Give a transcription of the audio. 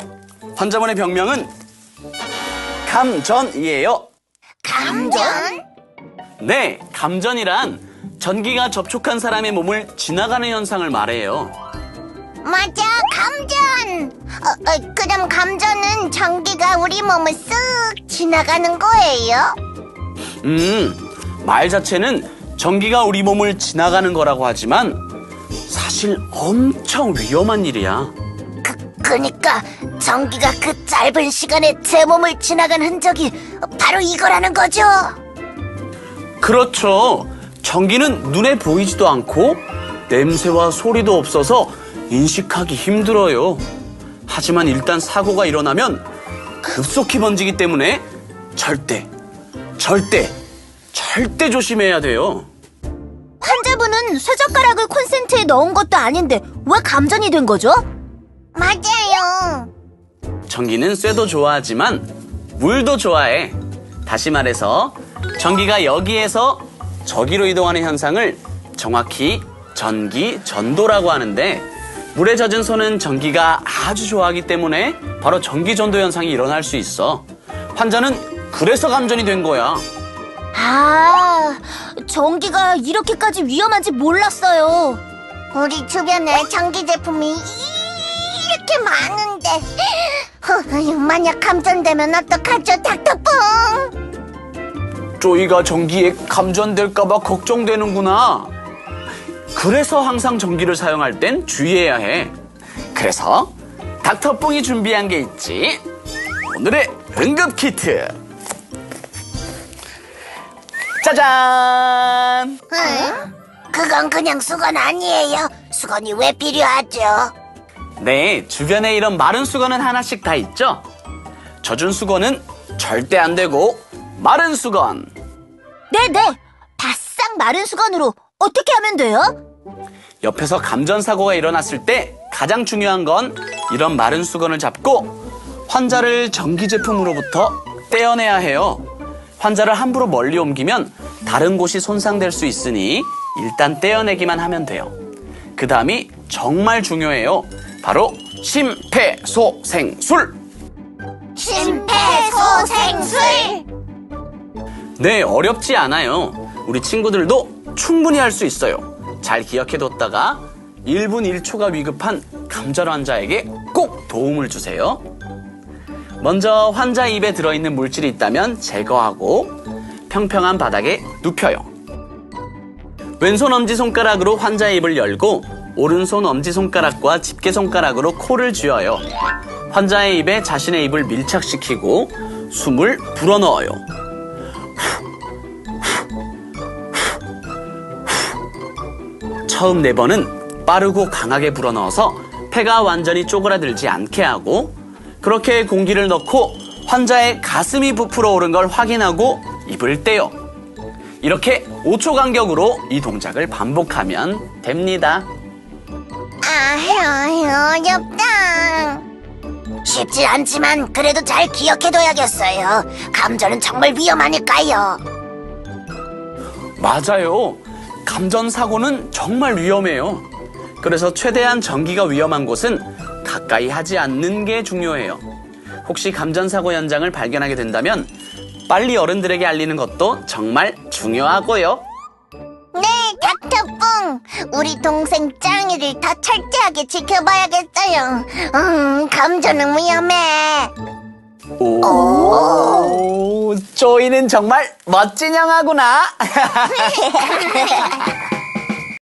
환자분의 병명은 감전이에요. 감전? 네, 감전이란 전기가 접촉한 사람의 몸을 지나가는 현상을 말해요. 맞아, 감전. 그럼 감전은 전기가 우리 몸을 쓱 지나가는 거예요? 말 자체는 전기가 우리 몸을 지나가는 거라고 하지만 사실 엄청 위험한 일이야. 그니까 전기가 그 짧은 시간에 제 몸을 지나간 흔적이 바로 이거라는 거죠? 그렇죠. 전기는 눈에 보이지도 않고 냄새와 소리도 없어서 인식하기 힘들어요. 하지만 일단 사고가 일어나면 급속히 번지기 때문에 절대 조심해야 돼요. 환자분은 쇠젓가락을 콘센트에 넣은 것도 아닌데 왜 감전이 된 거죠? 맞아요. 전기는 쇠도 좋아하지만 물도 좋아해. 다시 말해서 전기가 여기에서 저기로 이동하는 현상을 정확히 전기 전도라고 하는데, 물에 젖은 손은 전기가 아주 좋아하기 때문에 바로 전기 전도 현상이 일어날 수 있어. 환자는 그래서 감전이 된 거야. 아, 전기가 이렇게까지 위험한지 몰랐어요. 우리 주변에 전기 제품이 이렇게 많은데 만약 감전되면 어떡하죠, 닥터뽕? 쪼이가 전기에 감전될까봐 걱정되는구나. 그래서 항상 전기를 사용할 땐 주의해야 해. 그래서 닥터뽕이 준비한 게 있지. 오늘의 응급 키트. 짜잔! 그건 그냥 수건 아니에요. 수건이 왜 필요하죠? 네, 주변에 이런 마른 수건은 하나씩 다 있죠? 젖은 수건은 절대 안 되고, 마른 수건. 네네, 바싹 마른 수건으로 어떻게 하면 돼요? 옆에서 감전사고가 일어났을 때 가장 중요한 건 이런 마른 수건을 잡고 환자를 전기 제품으로부터 떼어내야 해요. 환자를 함부로 멀리 옮기면 다른 곳이 손상될 수 있으니 일단 떼어내기만 하면 돼요. 그 다음이 정말 중요해요. 바로 심폐소생술! 심폐소생술! 네, 어렵지 않아요. 우리 친구들도 충분히 할 수 있어요. 잘 기억해뒀다가 1분 1초가 위급한 감전 환자에게 꼭 도움을 주세요. 먼저 환자 입에 들어있는 물질이 있다면 제거하고 평평한 바닥에 눕혀요. 왼손 엄지손가락으로 환자의 입을 열고 오른손 엄지손가락과 집게손가락으로 코를 쥐어요. 환자의 입에 자신의 입을 밀착시키고 숨을 불어넣어요. 처음 4번은 빠르고 강하게 불어넣어서 폐가 완전히 쪼그라들지 않게 하고, 그렇게 공기를 넣고 환자의 가슴이 부풀어 오른 걸 확인하고 입을 떼요. 이렇게 5초 간격으로 이 동작을 반복하면 됩니다. 어렵다. 쉽지 않지만 그래도 잘 기억해둬야겠어요. 감전은 정말 위험하니까요. 맞아요. 감전 사고는 정말 위험해요. 그래서 최대한 전기가 위험한 곳은 가까이 하지 않는 게 중요해요. 혹시 감전 사고 현장을 발견하게 된다면 빨리 어른들에게 알리는 것도 정말 중요하고요. 네, 닥터뿡. 우리 동생 짱이를 더 철저하게 지켜봐야겠어요. 감전은 위험해. 오, 쪼이는 정말 멋진 형아구나.